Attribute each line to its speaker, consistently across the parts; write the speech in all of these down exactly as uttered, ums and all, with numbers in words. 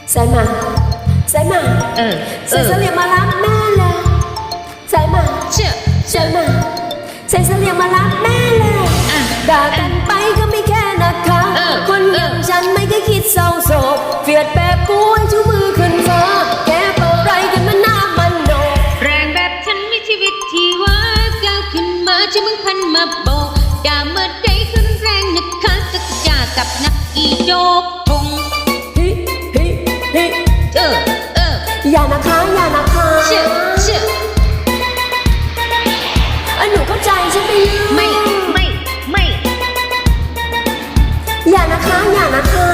Speaker 1: สายมาสายมา
Speaker 2: เออ
Speaker 1: ใส่เสลี่ยงมารับแม่เลยสายมา
Speaker 2: เชื่อ
Speaker 1: สายมาใส่เสลี่ยงมารับแม่เลยด่ากันไปก็ไม่แค่นะคะคนอย่างฉันไม่เคยคิดเศร้าโศกเฟียดแบบกูให้ชูมือขึ้นฟ้าแกเปิดไรกันมันหน้ามันโดด
Speaker 2: แรงแบบฉันมีชีวิตชีวาก้าวขึ้นมาจะมึงพันมาโบกด่าเมื่อใดขึ้นแรงนะคะสักยากับนักอีโยกทง
Speaker 1: ฮิฮิฮิ
Speaker 2: เออเออ
Speaker 1: อย่านะคะอย่านะคะ
Speaker 2: เชื่อเชื่อ
Speaker 1: อันหนูเข้าใจใช่ไหม
Speaker 2: ไม่ไม่ไม่
Speaker 1: อย่านะคะอย่านะคะ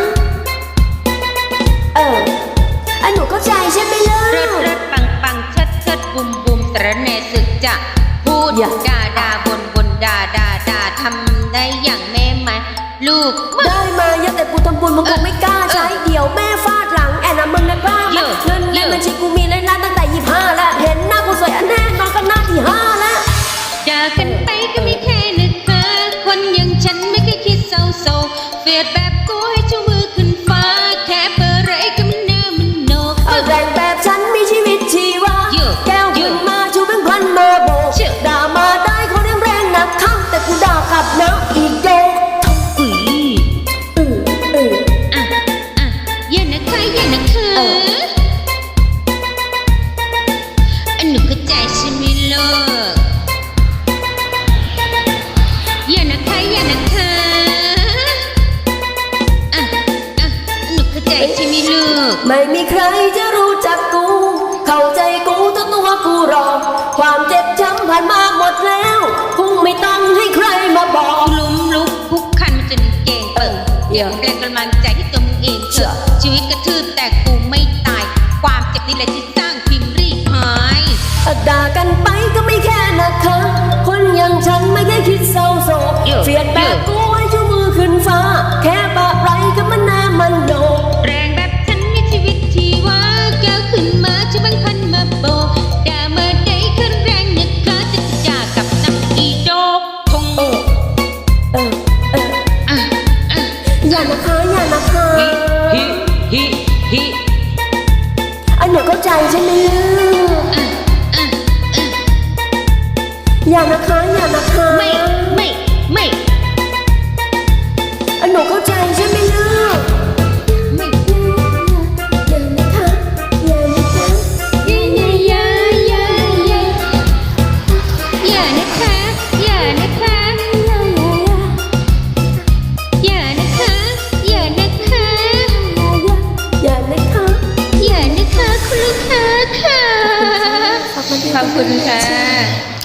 Speaker 1: เอออันหนูเข้าใจใช่ไหมล่ะ
Speaker 2: เริดเริดปังปังเชิดเชิดบุมบุมสระแหน่สึกจะพูดด่าด่าบนบนด่าด่าด่าทำได้อย่างแม่มาลูก
Speaker 1: ได้มาเยอะแต่กูทำบุญมึงคงไม่กล้าใช้เดี๋ยวแม่ฟาดหลังแอนนะมึงนะกล้าเงินในบัญชีกูมีเลยนะตั้งแต่ยี่ห้าแล้วเห็นหน้ากูสวยอันแน่นอนก็หน้าที่ห้าแล้ว
Speaker 2: ด่ากันไปก็ไม่แค่นึกเธอคนอย่างฉันไม่เคยคิดเศร้าโศกเฟียดแบบกูให้ชูมือขึ้นฟ้าแค่เปิดไรก็มันเนื้อมันโนก
Speaker 1: แรงแบบฉันมีชีวิตชีวาแก้วขึ้นมาชูแบงค์พันมาโบกด่ามาได้เขาเรียกแรงหนักข้างแต่กูด่ากลับนะอีกโยก
Speaker 2: อุ้ย
Speaker 1: อืออือ
Speaker 2: อ่ะอ่ะอย่านะคะอย่านะคะอันหนูเข้าใจใช่ไหมล่ะอย่านะคะอย่านะคะอ่ะอ่ะหนูเข้าใจใช่ไหมลูก
Speaker 1: ไม่มีใครจะรู้จักกูเข้าใจกูตัวตัวกูรอความเจ็บช้ำผ่านมาหมดแล้วคงไม่ต้องให้ใครมาบอก
Speaker 2: ลุมลุกคุกคันจนเก่งเปิดเดี๋ยวแรงกำลังใจที่ตัวมึงเองเถอะชีวิตกระทืบแต่กูไม่ตายความเจ็บนี่แหละที่สร้างพิมพ์รีหาย
Speaker 1: ด่ากันไปก็ไม่แค่นะคะคนอย่างฉันไม่ได้คิดเศร้าโศกเฟียดแบบกูให้ชูมือขึ้นฟ้าแค่ปะไรก็มันหน้ามันโดด
Speaker 2: แรงแบบฉันมีชีวิตชีวาแก้วขึ้นมาจะบังพันมาโบด่าเมื่อใดขึ้นแรงนะคะจะจ่ากับนักอีโดกทง
Speaker 1: เออเออเออ
Speaker 2: อ่ะอ่ะ
Speaker 1: อย่านะคะอย่านะคะ
Speaker 2: ฮิฮิฮิ
Speaker 1: อันหนูเข้าใจใช่ไหม
Speaker 2: อ่ะอ่ะอ่ะ
Speaker 1: อย่านะคะอย่านะคะ
Speaker 2: ไม่ไม่ไม่
Speaker 1: อันหนูเข้าใจใช่ไหมลูก
Speaker 2: ไม่
Speaker 1: อย่านะคะอย่านะคะ
Speaker 2: อย่าอย่าอย่าอย่าอย่านะคะอย่านะคะอย่านะคะอย่านะคะ
Speaker 1: อย่านะคะ
Speaker 2: อย่านะคะคุณลูกค้าค่ะขอบคุณค่ะ